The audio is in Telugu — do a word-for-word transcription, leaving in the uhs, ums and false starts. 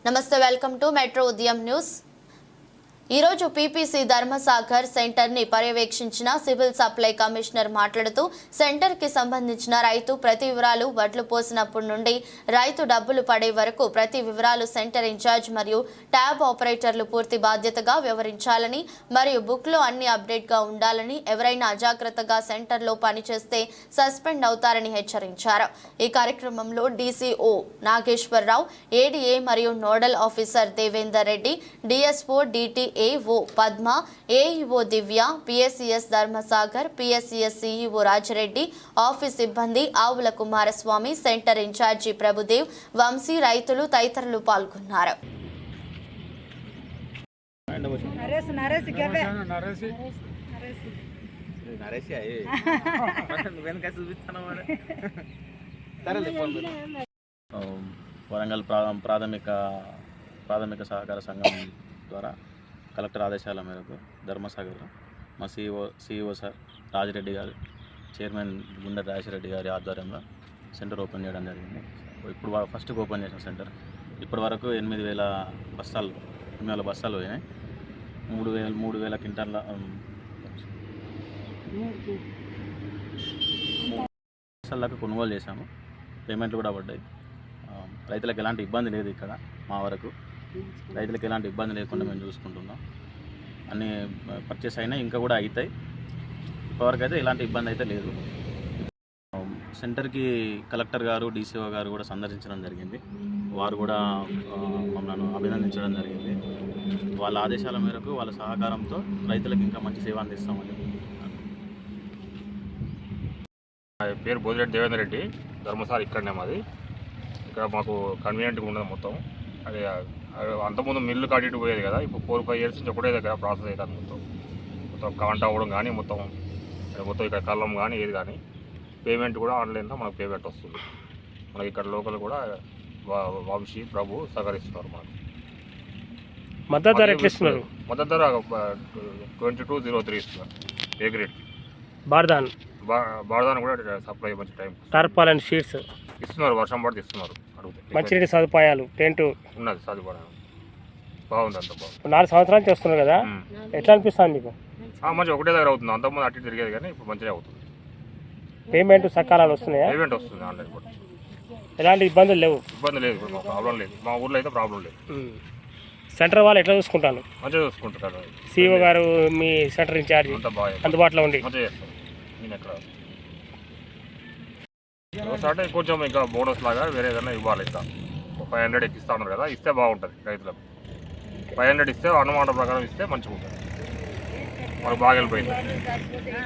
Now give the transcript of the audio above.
నమస్తే, వెల్కమ్ టు మెట్రో ఉదయం న్యూస్. ఈ రోజు పీపీసీ ధర్మసాగర్ సెంటర్ ని పర్యవేక్షించిన సివిల్ సప్లై కమిషనర్ మాట్లాడుతూ సెంటర్ కి సంబంధించిన రైతు ప్రతి వివరాలు వడ్లు పోసినప్పటి నుండి రైతు డబ్బులు పడే వరకు ప్రతి వివరాలు సెంటర్ ఇన్ఛార్జ్ మరియు ట్యాబ్ ఆపరేటర్లు పూర్తి బాధ్యతగా వ్యవహరించాలని మరియు బుక్ లో అన్ని అప్డేట్ గా ఉండాలని, ఎవరైనా అజాగ్రత్తగా సెంటర్ లో పనిచేస్తే సస్పెండ్ అవుతారని హెచ్చరించారు. ఈ కార్యక్రమంలో డీసీఓ నాగేశ్వరరావు, ఏడీఏ మరియు nodal officer Devender Reddy, DSO DT AO Padma, AEO Divya, PSCS Dharmasagar, PSCS CEO Rajareddy, office సిబ్బంది, ఆవుల కుమారస్వామి, సెంటర్ ఇన్ఛార్జి ప్రభుదేవ్, వంశీ, రైతులు తదితరులు పాల్గొన్నారు. వరంగల్ ప్రాథమిక ప్రాథమిక సహకార సంఘం ద్వారా కలెక్టర్ ఆదేశాల మేరకు ధర్మసాగర్లో మా సిఇఓ సిఇఓ సార్ రాజిరెడ్డి గారు, చైర్మన్ గుండె రాజశేఖరరెడ్డి గారి ఆధ్వర్యంలో సెంటర్ ఓపెన్ చేయడం జరిగింది. ఇప్పుడు ఫస్ట్ ఓపెన్ చేసిన సెంటర్ ఇప్పటి వరకు ఎనిమిది వేల బస్తాలు ఎనిమిది వేల బస్తాలు పోయినాయి. మూడు వేల మూడు వేల క్వింటాల బస్తాలకు కొనుగోలు చేశాము. పేమెంట్లు కూడా పడ్డాయి. రైతులకు ఎలాంటి ఇబ్బంది లేదు. ఇక్కడ మా వరకు రైతులకు ఎలాంటి ఇబ్బంది లేకుండా మేము చూసుకుంటున్నాం. అన్నీ పర్చేస్ అయినా ఇంకా కూడా అవుతాయి. ఇప్పటివరకు అయితే ఎలాంటి ఇబ్బంది అయితే లేదు. సెంటర్కి కలెక్టర్ గారు, డీసీఓ గారు కూడా సందర్శించడం జరిగింది. వారు కూడా మమ్మల్ని అభినందించడం జరిగింది. వాళ్ళ ఆదేశాల మేరకు వాళ్ళ సహకారంతో రైతులకు ఇంకా మంచి సేవ అందిస్తామని. పేరు బోదిరెడ్డి దేవేందర్ రెడ్డి, ధర్మసాగర్ ఇక్కడనే మాది. ఇక్కడ మాకు కన్వీనియంట్గా ఉండదు మొత్తం. అదే అంతకుముందు మిల్లు కట్టి పోయేది కదా, ఇప్పుడు ఫోర్ ఫైవ్ ఇయర్స్ నుంచి ఒకటే దగ్గర ప్రాసెస్ అవుతుంది. మొత్తం మొత్తం కాంట అవ్వడం కానీ, మొత్తం మొత్తం ఇక్కడ కళ్ళం కానీ ఏది కానీ పేమెంట్ కూడా ఆన్లైన్లో మనకు పేమెంట్ వస్తుంది. మనకి ఇక్కడ లోకల్ కూడా వంశీ, ప్రభు సహకరిస్తున్నారు. మనకు మద్దతు ధర ఎట్లా ఇస్తున్నారు? మద్దతు ధర ట్వంటీ టూ జీరో త్రీ ఇస్తున్నారు. ఏ గ్రేడ్ బార్దాన్ బార్దాన్ కూడా సప్లై మంచి టైం. టార్పాలిన్ షీట్స్ ఇస్తున్నారు, వర్షం పడితే ఇస్తున్నారు. మంచినీటి సదుపాయాలు, టెంట్ ఉన్నది, సదుపాయం బాగుంది. అంత బాగుంది. నాలుగు సంవత్సరాల నుంచి వస్తున్నారు కదా, ఎట్లా అనిపిస్తుంది మీకు? మంచిగా ఒకటే దగ్గర అవుతుంది. అంతకుముందు అటు తిరిగేది కానీ ఇప్పుడు మంచిగా అవుతుంది. పేమెంట్ సకాలాలు వస్తున్నాయా? పేమెంట్ వస్తుంది ఆన్లైన్ కూడా. ఎలాంటి ఇబ్బందులు లేవు? ఇబ్బంది లేదు, ఇప్పుడు ప్రాబ్లం లేదు. మా ఊర్లో అయితే ప్రాబ్లం లేదు. సెంటర్ వాళ్ళు ఎట్లా చూసుకుంటాను? మంచిగా చూసుకుంటారు. సిఇఓ గారు, మీ సెంటర్ ఇన్ఛార్జ్ అంతా బాగా అందుబాటులో ఉండి మంచిగా చేస్తాం. నేను ఎక్కడ అంటే కొంచెం ఇంకా బోనస్ లాగా వేరే ఏదైనా ఇవ్వాలి. ఇంకా ఫైవ్ హండ్రెడ్ ఎక్కిస్తా ఉన్నారు కదా, ఇస్తే బాగుంటుంది రైతులకు. ఫైవ్ హండ్రెడ్ ఇస్తే అన్నమాట ప్రకారం ఇస్తే మంచిగా ఉంటుంది. మనకు బాగా వెళ్ళిపోయింది.